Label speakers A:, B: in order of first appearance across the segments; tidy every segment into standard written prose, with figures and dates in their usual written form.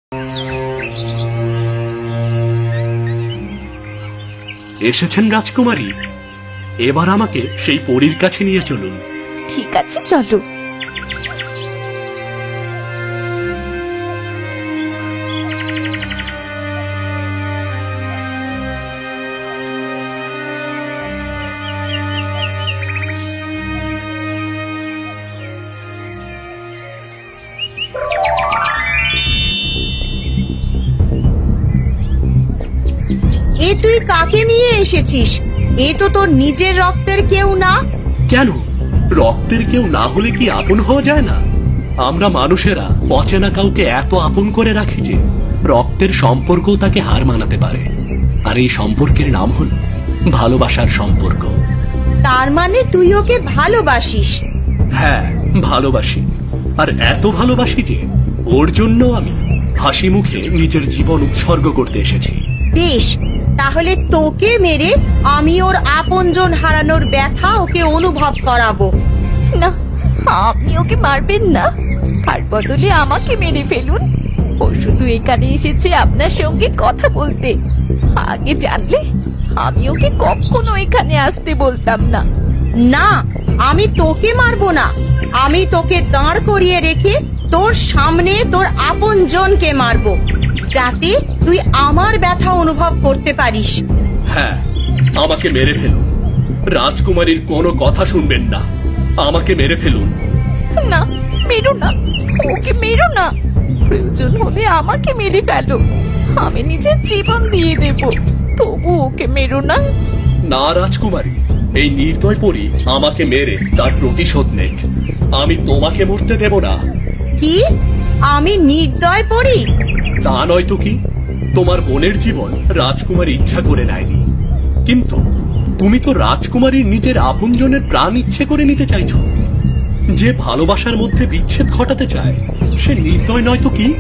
A: এসেছেন রাজকুমারী, এবার আমাকে সেই পরীর কাছে নিয়ে চলুন।
B: ঠিক আছে, চলো।
C: এ তুই কাকে নিয়ে এসেছিস? এ তো তোর নিজের রক্তের কেউ না।
A: কেন? রক্তের কেউ না হলে কি আপন হওয়া যায় না? আমরা মানুষেরা অচেনা কাউকে এত আপন করে রাখি যে রক্তের সম্পর্কও তাকে হার মানাতে পারে। আর এই সম্পর্কের নাম হলো ভালোবাসার সম্পর্ক।
C: তার মানে তুই ওকে ভালোবাসিস?
A: হ্যাঁ, ভালোবাসি। আর এত ভালোবাসি যে ওর জন্য আমি হাসি মুখে নিজের জীবন উৎসর্গ করতে এসেছি।
C: বেশ, তাহলে তোকে মেরে আমি ওর আপনজন হারানোর ব্যথা ওকে অনুভব করাবো।
B: না, আপনি ওকে মারবেন না, তার বদলে আমাকে মেরে ফেলুন। ও শুধু এখানে এসেছে আপনার সঙ্গে কথা বলতে। আগে জানলে আমি ওকে কখনো এখানে আসতে বলতাম না।
C: না, আমি তোকে মারবো না। আমি তোকে দাঁড় করিয়ে রেখে তোর সামনে তোর আপনজনকে মারবো, যাতে তুই আমার ব্যথা অনুভব করতে পারিস।
A: হ্যাঁ, আমাকে মেরে ফেলুন। রাজকুমারীর কোনো কথা শুনবেন না, আমাকে মেরে ফেলুন।
B: না, মেরো না, ওকে মেরো না। প্রয়োজন হলে আমাকে মেরে ফেলো, আমি নিজের জীবন দিয়ে দেব, তবু ওকে মেরো না।
A: না রাজকুমারী, এই নির্দয় পরী আমাকে মেরে তার প্রতিশোধ নেক। আমি তোমাকে মরতে দেব না।
C: কি? আমি নির্দয় পড়ি?
A: তা নয় তো কি, তোমার বোনের জীবন রাজকুমারী ইচ্ছা করে নেয়নি, কিন্তু তুমি তো রাজকুমারীর নিজের আপনজনের প্রাণ ইচ্ছে করে নিতে চাইছো। যে ভালোবাসার মধ্যে বিচ্ছেদ ঘটাতে চায় সে নির্দয় নয় তো কি?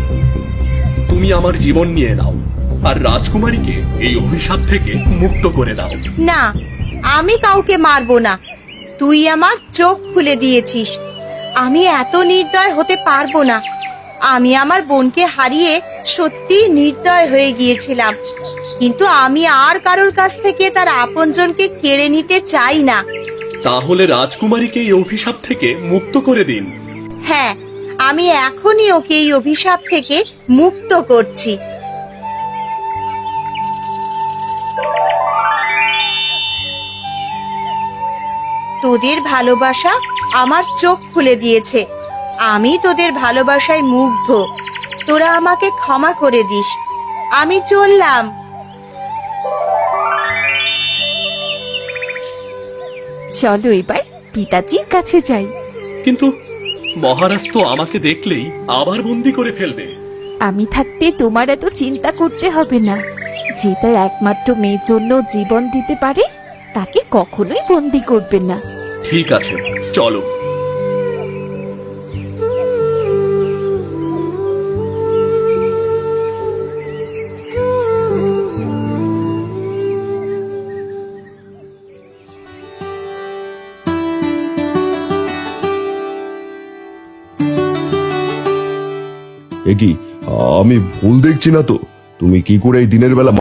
A: তুমি আমার জীবন নিয়ে নাও আর রাজকুমারীকে এই অভিশাপ থেকে মুক্ত করে দাও।
C: না, আমি কাউকে মারবো না। তুই আমার চোখ খুলে দিয়েছিস। আমি এত নির্দয় হতে পারবো না। আমি আমার বোনকে হারিয়ে সত্যি নির্দয় হয়ে গিয়েছিলাম, কিন্তু আমি আর কারোর কাছ থেকে তার আপনজনকে কেড়ে নিতে চাই না।
A: তাহলে রাজকুমারীকে এই অভিশাপ থেকে মুক্ত করে দিন।
C: হ্যাঁ, আমি এখনই ওকে এই অভিশাপ থেকে মুক্ত করছি। তোদের ভালোবাসা আমার চোখ খুলে দিয়েছে। আমি তোদের ভালোবাসায় মুগ্ধ। তোরা আমাকে ক্ষমা করে দিস। আমি চললাম।
B: চলো এবার পিতাজির কাছে যাই।
A: কিন্তু মহারাজ তো আমাকে দেখলেই আবার বন্দি করে ফেলবে।
B: আমি থাকতে তোমার এত চিন্তা করতে হবে না। যে তার একমাত্র মেয়ের জন্য জীবন দিতে পারে তাকে কখনোই বন্দি করবে না।
A: ঠিক আছে, চলো।
D: এ কি, আমি ভুল দেখছি না তো? তুমি কি করে এই দিনের বেলা